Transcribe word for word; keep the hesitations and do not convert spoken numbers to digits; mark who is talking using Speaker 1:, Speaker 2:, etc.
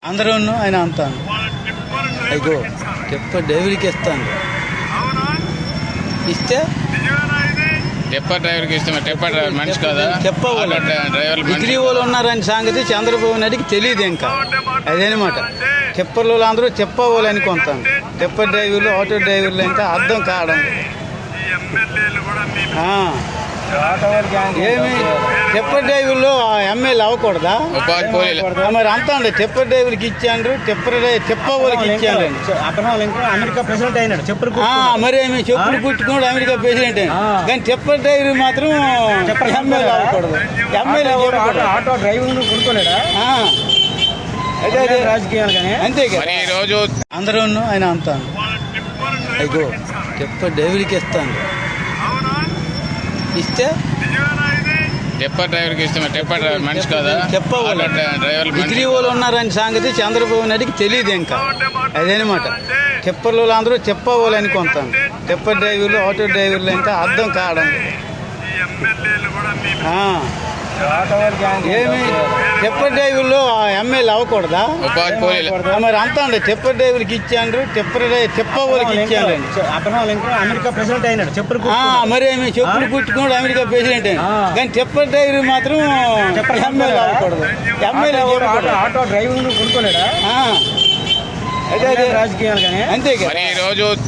Speaker 1: అందరూ ఆయన అంతాను అయ్యో చెప్ప డైవర్కి ఇస్తాను ఇస్తే
Speaker 2: టెప్పర్ డ్రైవర్కి ఇష్టం. టెప్పర్ డ్రైవర్ మనిషి కదా,
Speaker 1: చెప్పవాలి
Speaker 2: డ్రైవర్
Speaker 1: డిగ్రీ వాళ్ళు ఉన్నారని సంగతి చంద్రబాబు నాయుడికి తెలియదు. ఇంకా అదేనమాట టెప్పర్లు అందరూ చెప్పవాలి అనుకుంటాను. టెప్పర్ డ్రైవర్లు ఆటో డ్రైవర్లు ఇంకా అర్థం కావడం ఏమి టెప్పర్ డ్రైవర్లు ఎమ్మెల్యే అవ్వకూడదా?
Speaker 2: ఉపాధి పోలీలు
Speaker 1: మరి అంతా అండి టెప్పర్ డ్రైవర్కి ఇచ్చాండ్రు, టెప్పర్ చెప్ప వాళ్ళకి ఇచ్చాను.
Speaker 3: అమెరికా ప్రెసిడెంట్ అయినాడు చెప్పులు
Speaker 1: మరి ఏమి చెప్పులు కుట్టుకోడు అమెరికా ప్రెసిడెంట్ అయినా, కానీ టెప్పర్ డ్రైవర్ మాత్రం ఎమ్మెల్యే అవ్వకూడదు. ఎమ్మెల్యే
Speaker 3: ఆటో డ్రైవింగ్ కొనుక్కోలేడా
Speaker 1: అదే అదే
Speaker 3: రాజకీయాలు కానీ
Speaker 1: అంతే
Speaker 2: మరి ఈ రోజు
Speaker 1: అందరూ ఆయన అంతాను అయ్యో టెప్పర్ డ్రైవర్కి ఇస్తాను ఇస్తే
Speaker 2: టెప్పర్ డ్రైవర్కి ఇష్టం. టెప్పర్ డ్రైవర్ మనిషి కదా,
Speaker 1: చెప్పవాలి
Speaker 2: డ్రైవర్
Speaker 1: డిగ్రీ వాళ్ళు ఉన్నారని సంగతి చంద్రబాబు నాయుడికి తెలియదు. ఇంకా అదేనమాట టెప్పర్లు అందరూ చెప్పవాలి అనుకుంటాను. టెప్పర్ డ్రైవర్లు ఆటో డ్రైవర్లు ఇంకా అర్థం కావడం ఏమి టెప్పర్ డ్రైవర్లు ఎమ్మెల్యే అవ్వకూడదా?
Speaker 2: ఉపాధి పోలీలు
Speaker 1: మరి అంతా అండి టెప్పర్ డ్రైవర్కి ఇచ్చాండ్రు, టెప్పర్ చెప్ప వాళ్ళకి ఇచ్చాను.
Speaker 3: అమెరికా ప్రెసిడెంట్ అయినాడు చెప్పులు
Speaker 1: మరి ఏమి చెప్పులు కుట్టుకోడు అమెరికా ప్రెసిడెంట్ అయినా, కానీ టెప్పర్ డ్రైవర్ మాత్రం ఎమ్మెల్యే అవ్వకూడదు. ఎమ్మెల్యే
Speaker 3: ఆటో డ్రైవింగ్ కొనుక్కోలేడా
Speaker 1: అదే అదే
Speaker 3: రాజకీయాలు కానీ
Speaker 1: అంతే
Speaker 2: మరి ఈ రోజు